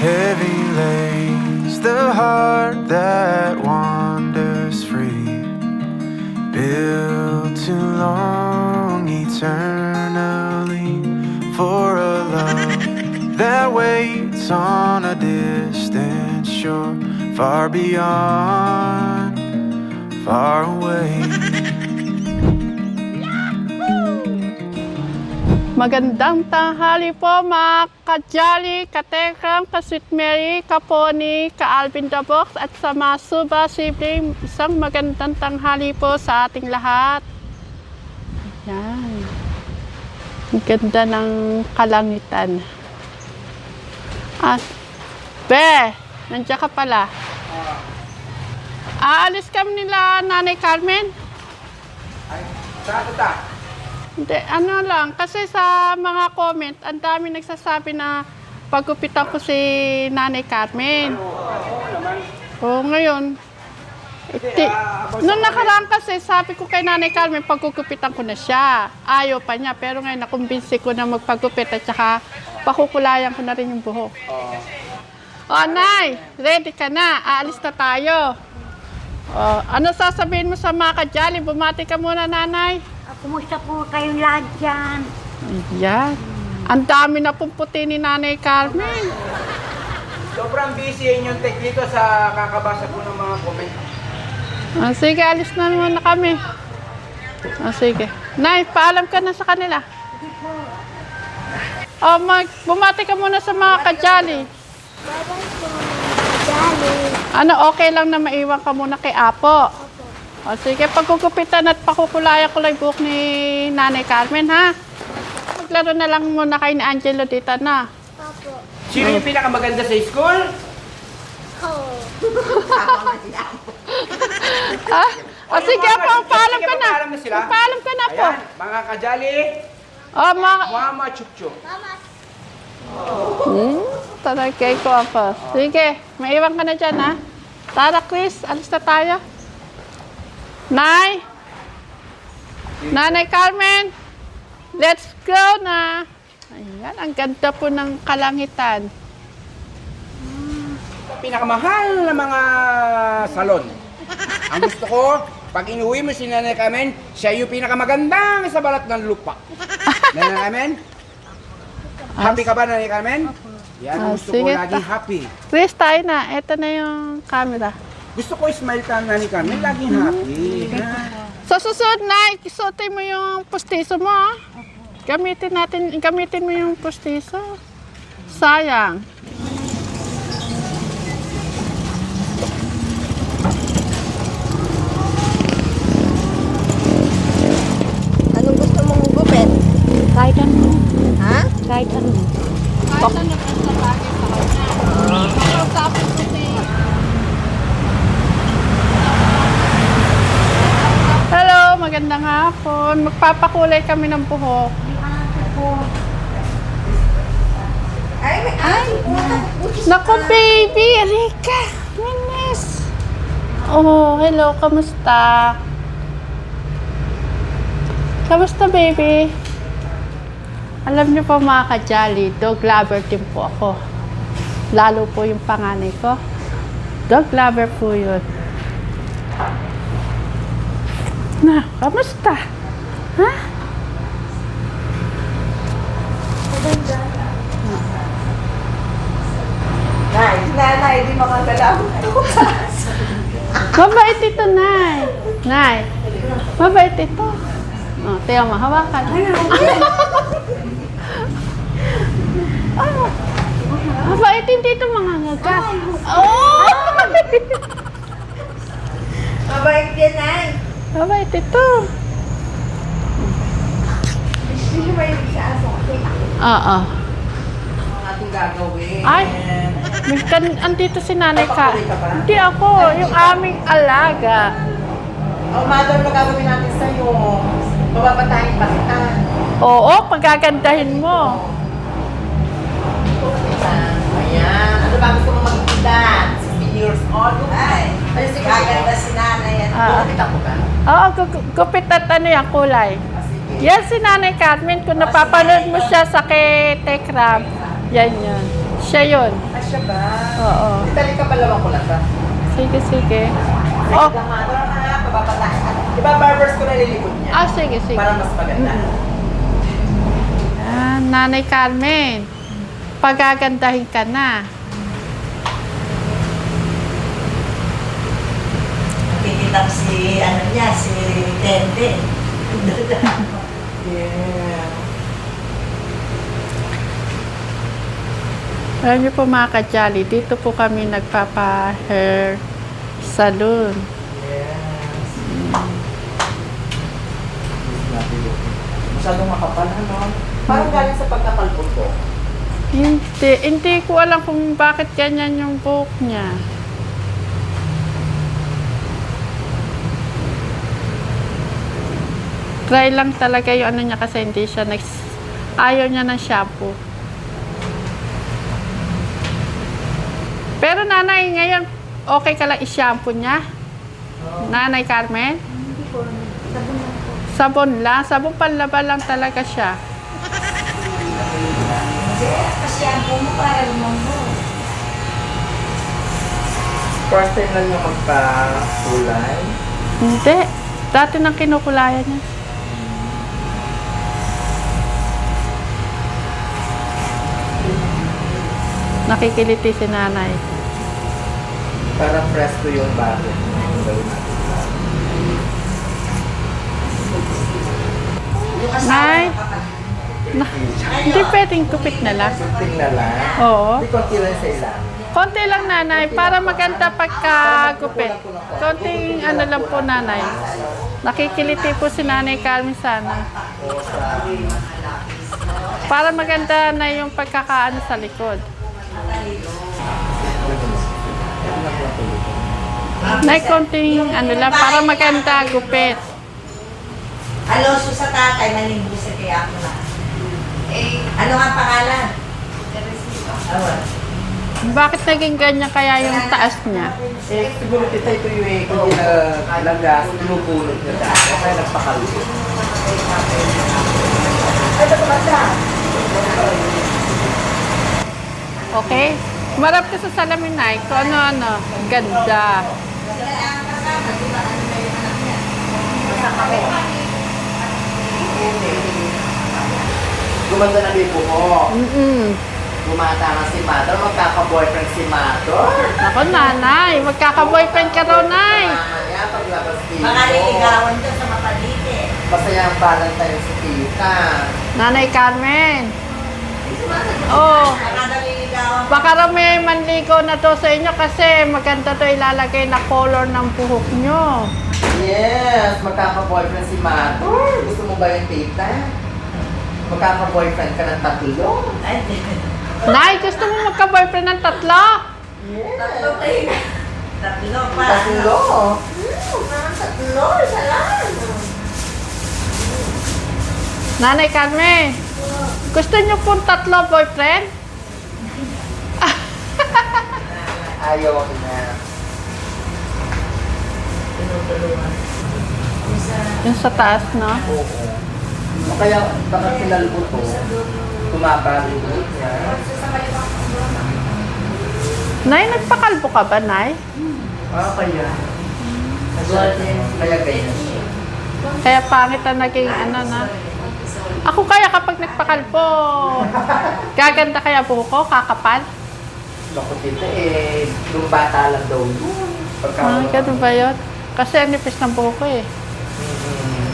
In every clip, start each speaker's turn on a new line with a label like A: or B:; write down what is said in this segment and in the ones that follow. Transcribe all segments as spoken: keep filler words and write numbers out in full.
A: Heavy lays the heart that wanders free, built too long eternally for a love that waits on a distant shore, far beyond, far away.
B: Magandang tanghali po mga ka-Jolly, ka-Tekram, ka-Sweet Mary, ka-Pony, ka-Alvin the Box at sa mga Suba sibling. Isang magandang tanghali po sa ating lahat. Yan. Ang ganda ng kalangitan. At, Be, nandiyan ka pala. Aalis kami nila Nanay Carmen.
C: Ay, saan ito ta?
B: Hindi, ano lang, kasi sa mga comment, ang dami nagsasabi na paggupitan ko si Nanay Carmen.
C: Oo naman.
B: Oo, ngayon. Iti, nung nakaraan kasi, sabi ko kay Nanay Carmen, paggugupitan ko na siya. Ayaw pa niya, pero ngayon nakumbinsi ko na magpagupit at saka pakukulayan ko na rin yung buhok.
C: Oo.
B: O, Nay, ready ka na. Aalis na tayo. O, ano sasabihin mo sa mga ka-Jolly? Bumati ka muna, Nanay.
D: Ah, kumusta po kayong lahat dyan?
B: Ayan. Ang dami na pong puti ni Nanay Carmen.
C: Sobrang busy yung tech dito sa kakabasa po ng mga comment.
B: Ah, sige, alis na muna kami. Ah, sige. Nay, paalam ka na sa kanila. Oh, mag, bumati ka muna sa mga ka-Jolly.
D: Bye-bye po, Jolly.
B: Ano, okay lang na maiwan ka muna kay Apo. O sige, pagkukupitan at pakukulayan ko lang buhok ni Nanay Carmen, ha? Maglaro na lang muna kayo ni Angelo dito na.
D: Opo.
C: Sino yung pinakamaganda sa school?
D: Oh.
B: Ah, o sige po, paalam ka na.
C: Paalam na sila.
B: Paalam ka na po.
C: Ayan, mga kajali,
B: O, mga...
C: Mama Chukcho.
D: Mama.
B: Hmm, talagay ko ako. Sige, maiwan ka na dyan, ha? Tara, Chris, alis na tayo. Nay! Nanay Carmen! Let's go na! Ayan, ang ganda po ng kalangitan.
C: Pinakamahal na mga salon. Ang gusto ko, pag inuwi mo si Nanay Carmen, siya yung pinakamagandang sa balat ng lupa. Nanay Carmen? Happy ka ba, Nanay Carmen? Yan,
B: Ah,
C: gusto
B: sige,
C: ko laging
B: ta-
C: happy.
B: Chris, tayo na. Ito na yung camera.
C: Gusto ko smile ka, Nanay Carmen, laging happy. Ha?
B: Sa susunod na, isuotin mo yung pustiso mo, ha? Gamitin natin, gamitin mo yung pustiso. Sayang.
D: Anong gusto mong gupit?
B: Kahit ano.
D: Ha? Kahit ano.
B: Kahit ano pa sa bagay sa kanya. Makausapin ko si... Hello, magandang hapon. Magpapakulay kami ng buhok.
D: Ay, may ay.
B: Naku, baby! Rika! Minis! Oh, hello. Kamusta? Kamusta, baby? Alam niyo po mga ka-Jolly, dog lover din po ako. Lalo po yung panganay ko. Dog lover po yun. Na, kamusta? Ha?
D: Nay, nanay, di makagalaw.
B: Mabait ito, Nay. Nay, mabait ito. Oh, tiyo mo, hawakan. Oh, mabait din dito mga ngaga. Oh!
D: Mabait din, Nay.
B: Mabait ito.
D: Hindi ba yung sa aso?
B: Oo.
C: Ang ating gagawin.
B: Ay, may kan andito si Nanay ka.
C: Papakulit ka ba?
B: Hindi ako, yung aming alaga.
D: Oh, mother, ano gagawin natin sa'yo? Mababatahin pa kita.
B: Oo, pagagandahin mo.
D: Ayan. Ano ba gusto mo magpindan? sixteen years old? Ay, ay sige. Gaganda si nanay.
B: Ah.
D: Kita ko ba?
B: Oo, gu- gupit at ano yung kulay. Yan si Nanay Carmen, kung napapanood mo siya sa kay Tekram, yan yun. Siya yun.
D: Ah, siya ba?
B: Oo.
D: Dali ka palawang ko lang ba?
B: Sige, sige.
D: Oh.
B: Oh,
D: Tama, tara na, papapataan. Di ba barbers ko nalilikod niya?
B: ah, sige, sige.
D: Para mas maganda.
B: Ah, Nanay Carmen, pagagandahin ka na.
D: Nakikita ko si, ano niya, si Tende. Yeah.
B: Alam niyo po mga ka-jolly, dito po kami nagpapa-hair salon.
D: Yes. Masyadong makapal, ano? Parang galing sa pagkakalpot ko.
B: Hindi, hindi ko alam kung bakit ganyan yung buhok niya. Try lang talaga yung ano niya kasi hindi siya nag... Ayaw niya ng shampoo. Pero nanay, ngayon, okay ka lang i-shampoo niya? Nanay Carmen? Sabon lang. Sabon panlaba lang talaga siya.
D: Kasi ang mo para lumambo.
E: First time lang yung magpa-kulay.
B: Hindi. Dati nang kinukulayan niya. Nakikiliti si nanay.
E: Parang presto yung bakit.
B: Nay? Na, hindi pwedeng kupit na lang.
E: Something na lang.
B: Oo.
E: Hindi konti lang sa ilang.
B: Konti lang nanay, para maganda pagkagupit. Konting ano lang po nanay. Nakikiliti po si Nanay Carmen sana. Para maganda na yung pagkakaano sa likod. Nay, konting ano lang, para maganda gupit.
D: Alonso sa tatay, manimbo sa kaya ako na. Eh, ano nga pangalan? Awan.
B: Bakit naging ganyan kaya yung taas niya?
E: Eh, siguro kita ito yung eh, hindi na lagas, pinupulot niya dati. Kaya nagpakalit.
D: Ay, ito maganda.
B: Okay? Marap ka sa salamin, Nay. Kung ano-ano. Ganda.
E: Gumanda na lipo ko.
B: Mm-mm.
E: Gumata na si Mator, magkaka-boyfriend si Mator.
B: Ako, nanay. Magkaka-boyfriend ka raw, Nay.
E: Mamaya, paglabas dito.
D: Mga liligawan dyan sa mapalite.
E: Masaya ang valentine si Tita.
B: Nanay Carmen. Oh.
D: Mga naliligawan.
B: Baka raw may manligo na to sa inyo kasi maganda to ilalagay na color ng buhok nyo.
E: Yes, magkaka-boyfriend si Mator. Gusto mo ba yung Tita? Magkaka-boyfriend ka ng tatlo.
D: Ay,
B: Nay, gusto mo magka-boyfriend ng tatlo?
D: tatlo kayo. Tatlo pa.
E: Tatlo.
D: Hmm, tatlo, isa lang.
B: Nanay Carmen, gusto nyo pong tatlo boyfriend?
E: Ayaw ako na.
D: Tinutulungan. Isa.
B: Yung sa taas, no?
E: Oo. O kaya, baka sinalbo to. Tumabali ko niya.
B: Nay, nagpakalbo ka ba, Nay?
E: Ah, kaya. Golden. Kaya ganyan siya.
B: Kaya pangit na naging ano na. Ako kaya kapag nagpakalbo, gaganda kaya buhok ko, kakapal?
E: Naku, Tita, eh, nung bata lang daw yun. Pagka
B: Ah, ganun ba yun? Kasi ang nipis ng buhok ko eh.
E: Mm-hmm.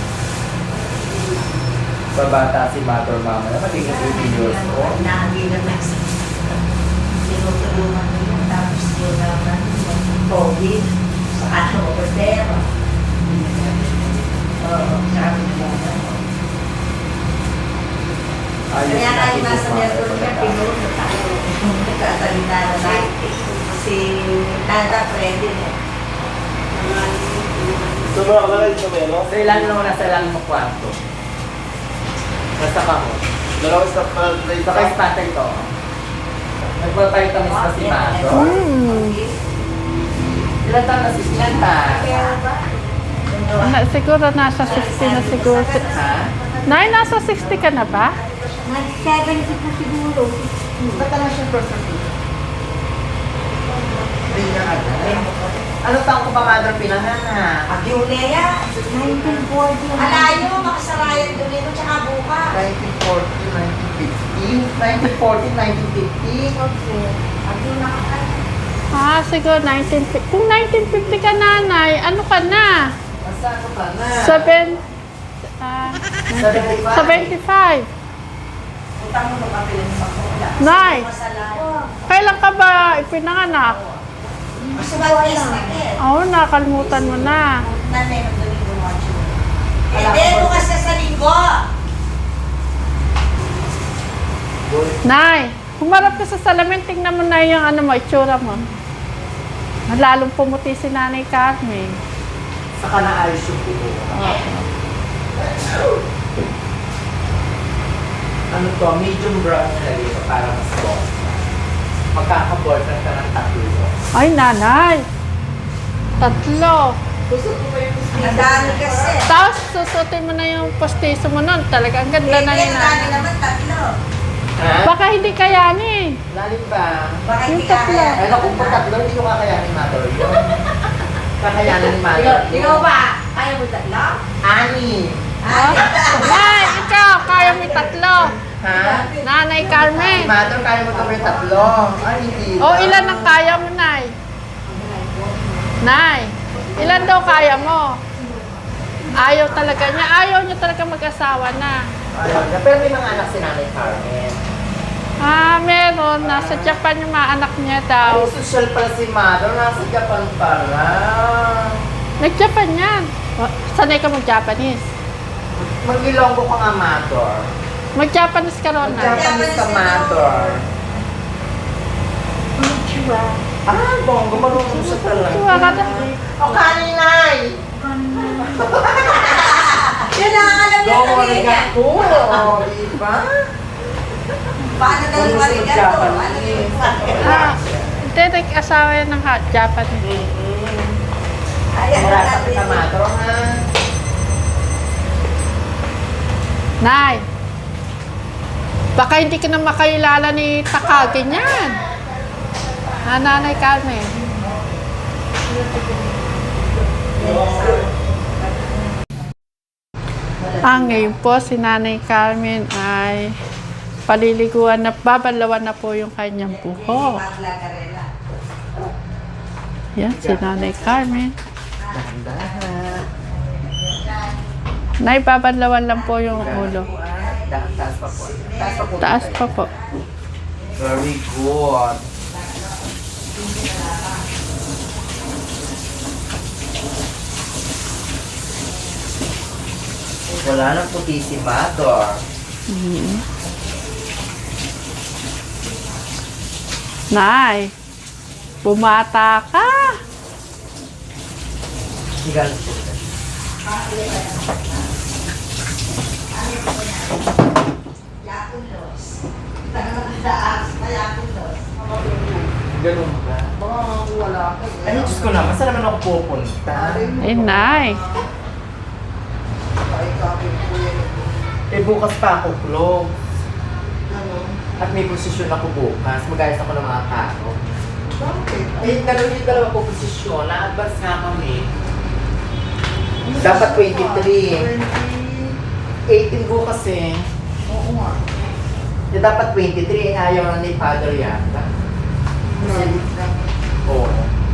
E: Babata si Mother Mama na magiging eighteen years old.
D: Nakagilan na sa tinutulungan nila. Tapos yun naman, COVID, sa ano, ordero. Oo, sabi nila.
E: Ayos
D: Kaya
E: na
D: nga yung
E: si
D: nasa
E: Mother
D: meron niya,
E: Mama.
D: pinunod ako. Nagkasalita na tayo. Si Nada Freddy niya.
E: Sa ilan naman nasa ilang mo kwarto? Basta ka mo.
F: Dalawang stop pa play
E: Saka yung tatay ko. Nagpapaytamis pa si Mother.
B: Hmm.
E: Ilan taon na si Tita?
B: Na, siguro nasa sixty na siguro.
E: Ha?
B: Nay, nasa sixty ka na ba?
D: Nag-seventy po siguro.
E: Ba't naman siya first certificate? Hindi na agad. Ano taong ko ba, mother, pinanganak?
D: Agyulea. nineteen forty. Alayo, makasarayan doon ito, tsaka buka.
E: nineteen forty, nineteen fifty. nineteen forty, nineteen fifty.
D: Okay. Agyo na ka.
B: Ah, siguro nineteen fifty. Kung nineteen fifty ka nanay, ano ka na?
E: Basta ako pa na.
B: Seven, ah,
E: seventy-five.
B: seventy-five.
D: Utang mo na kapilin sa bakula.
B: Nay,
D: Masalayo.
B: kailan ka ba ipinanganak?
D: Gusto ba yes na kid?
B: Oo, nakalimutan mo na.
D: Nanay ng Domingo Macho. Hindi, bukas na sa linggo.
B: Nay, humarap ka sa salamin, tingnan mo na yung ano mo, itsura mo. Lalong pumuti si Nanay Carmen.
E: Saka naayos yung buko. Ano to, medium brown na dito para mas boss. Magkaka-boyfriend ka ng tatlo.
B: Ay, nanay. Tatlo.
E: Gusto ko ba yung
D: Ang dami kasi.
B: Tapos, susutin mo na yung postiso mo nun. Talaga, ang ganda na
D: Hindi,
B: yun.
D: ang dami naman tatlo.
E: Ha?
B: Baka hindi kayanin.
E: Lalim ba?
D: Baka hindi
B: Yung tatlo.
D: kaya.
E: Ay, naku, pag tatlo, hindi ko kakayanin mother yun. Kakayanin ni mother.
D: Ikaw ba? Ayaw mo tatlo?
E: Ani.
B: Oh? Nay, ikaw, kaya mo yung tatlo.
E: Ha?
B: Nanay Carmen.
E: Mother, kaya mo kami tatlo. Ay, hindi.
B: O, ilan ang kaya mo, Nay? Nay, ilan daw kaya mo? Ayaw talaga niya. Ayaw niya talaga mag-asawa na.
E: Ayaw niya. Pero may mga anak si Nanay Carmen.
B: Ah, meron. Nasa Japan yung mga anak niya daw.
E: Ay, social pala si mother. Nasa Japan pala.
B: Nag-Japan yan. O, sanay ka mag-Japanese.
E: Mag-ilonggo ka nga, mother.
B: Mag-Japanese ka ron, Nay.
E: Japanese ka, mother. Ah, bonggo. Marunong siya talaga.
B: Tuwa ka na.
E: O, kaninay!
D: Yun lang ang alam niya
E: Don't
D: sabihin
E: worry
D: niya.
E: ka po. Diba?
D: Paano daw yung marigato? Ano yung
B: Ah, hindi, nag-asawa yan ng ha- Japanese.
D: Ayan na
E: Marasa
D: natin.
E: kita, mother, ha?
B: Nay, baka hindi ka na makailala ni Takagi niyan. Ah, Nanay Carmen. Ah, ngayon po si Nanay Carmen ay paliliguan na, babalawan na po yung kanyang buhok.
D: Maglagarela.
B: Yan, si Nanay Carmen.
E: Dahan-dahan.
B: Nay, babalawan lang po yung ulo.
E: Da- Taas pa po. Taas pa po.
B: Taas pa po.
E: Very good. Wala nang puti si Mador.
B: Nay, bumata ka.
E: Sigal po.
D: Yakulos. Taas, yakulos.
E: Ganun ba? Baka wala ka. Ay, Diyos ko naman. Saan naman ako pupunta?
B: Ay, Nay.
E: Eh, bukas pa ako close. At may posisyon ako bukas. Mag-ayos ako ng mga tao.
C: Bakit?
E: Eh, dalawa yung dalawa po posisyon. Na-advance nga kami. Dapat twenty-three. eighteen bukas eh.
C: Oo nga.
E: Eh, dapat twenty-three. Eh, ayaw na ni Father yata.
C: Grabe na.
E: Oo.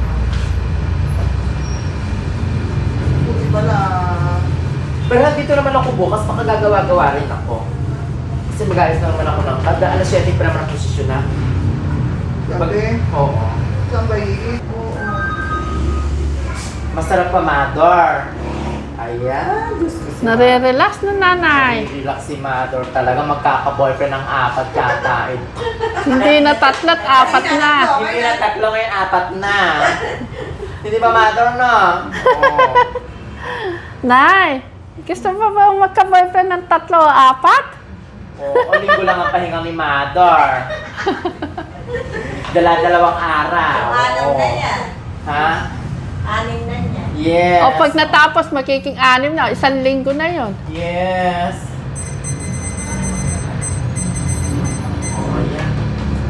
C: Buti pala.
E: Pero dito naman ako bukas, makagagawa-gawa rin ako. Kasi mag-ayos na naman ako ng kada. alas siyete pa naman ang posisyon na.
C: Gabi?
E: Oo.
C: Sabay. Oo.
E: Masarap pa, Mador. Ayan. Diyos ko si
B: Nare-relax na, Nanay.
E: Relax si Mador. Talaga magkaka-boyfriend ng apat yata. Eh.
B: Hindi na tatlat, apat na.
E: Hindi na tatlo ngayon, apat na. Hindi ba, Mador, no? Oo.
B: Nay, gusto mo ba magka-boyfriend ng tatlo o apat?
E: Oo, linggo lang ang pahinga ni Mador. Dala-dalawang araw.
D: Anim
E: Oo.
D: na yan.
E: Ha?
D: Anim na yan.
E: Yes.
B: O pag natapos, magiging anim na. Isang linggo na yon.
E: Yes. Oh, yan.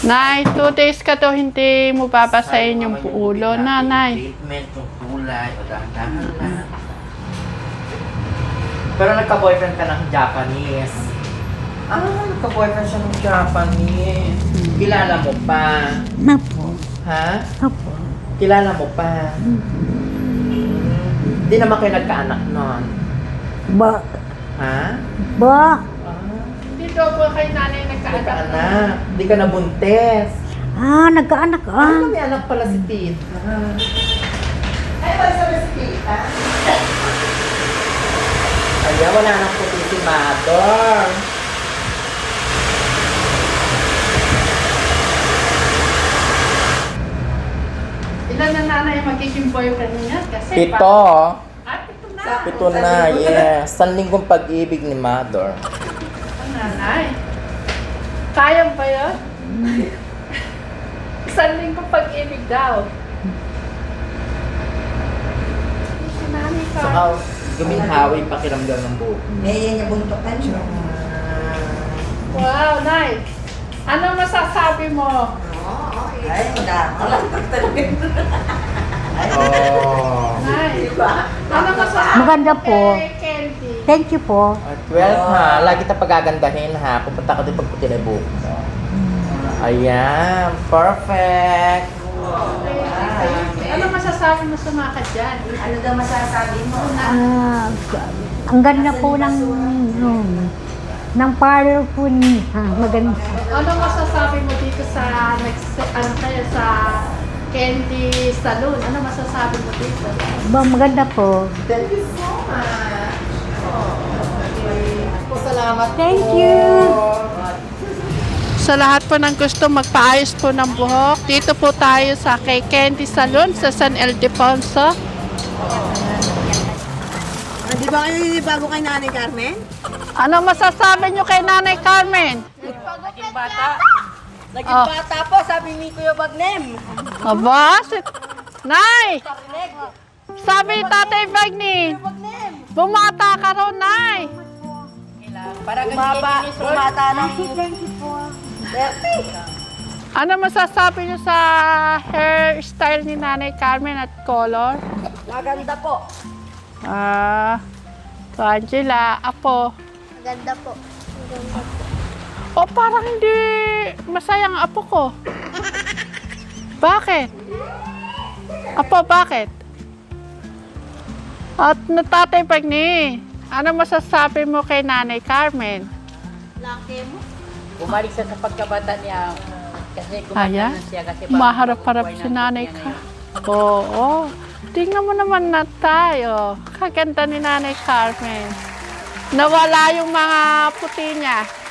B: Nay, two days ka to hindi mo babasahin yung ulo, nanay.
E: Treatment, yung kulay, o dahan-dahan lang. Pero nagka-boyfriend ka ng Japanese. Ah, nagka-boyfriend siya ng Japanese. Kilala mo pa?
F: Napo.
E: Ha?
F: Apo.
E: Kilala mo pa? Hindi naman kayo nagkaanak nun.
F: Ba.
E: Ha?
F: Ba.
E: Ah,
B: Hindi daw po kay nanay nagkaanak.
E: nagkaanak. Hindi ka nabuntes.
F: Ah, nagkaanak ka.
E: Ah, may anak pala si Tita. Ay, wala sa si Tita. Ay, wala nang puti si Mother.
B: Ilan na nanay ang magiging boyfriend niya? Kasi
E: Pito.
B: Ah, pito na.
E: Pito na, yes. San linggong pag-ibig ni Mother.
B: Ang nanay. Kaya ba yun? Isang linggo pag-ibig daw. Si nanay ka.
E: Saka guminhawi pakiramdam ng buhok.
D: May yan yung buntokan siya.
B: Wow, nay. Ano masasabi mo?
D: Ay, nakakalaktak talaga.
E: Oh.
B: Nay. Ano masasabi
F: Maganda
B: mo
F: po.
B: kay Candy?
F: Thank you po.
E: At well ha, lagi kita pagagandahin ha. Pupunta ka din pagputi na buhok mo. Ayan, perfect.
B: Ano masasabi mo sa mga kadyan?
D: Ano daw masasabi mo?
F: Ah, ang ganda po ng um, ng parlor po niya. Maganda.
B: Ano masasabi mo dito sa next, ano kaya sa Candy Salon? Ano masasabi mo dito?
F: Ba, maganda po.
E: Thank you so much. Po, salamat
F: Thank
E: po.
F: you.
B: Sa lahat po ng gusto magpaayos po ng buhok, dito po tayo sa kay Candy Salon sa San Ildefonso.
G: Ah, di ba kayo bago kay Nanay Carmen?
B: Ano masasabi nyo kay Nanay Carmen?
G: Naging bata. Naging
B: Oh.
G: bata po, sabi ni Kuya Bagnem.
B: Aba, si... Nay! Sabi ni Tatay Bagni, bumata ka ron, Nay!
G: Para bumaba, bumata ng
B: Ano masasabi nyo sa hairstyle ni Nanay Carmen at color?
G: maganda po.
B: Ah, so Angela, Apo.
H: Ganda po.
B: O parang hindi masaya ang apo ko. Bakit? Apo, bakit? At natatay pag ni, ano masasabi mo kay Nanay Carmen?
H: Laki mo.
G: Bumalik siya sa pagkabata niya. Kasi
B: Aya?
G: kumanda na siya. Kasi
B: Maharap-harap si Nanay Carmen. Oo. Tingnan mo naman na tayo. Kaganda ni Nanay Carmen. Nawala yung mga puti niya.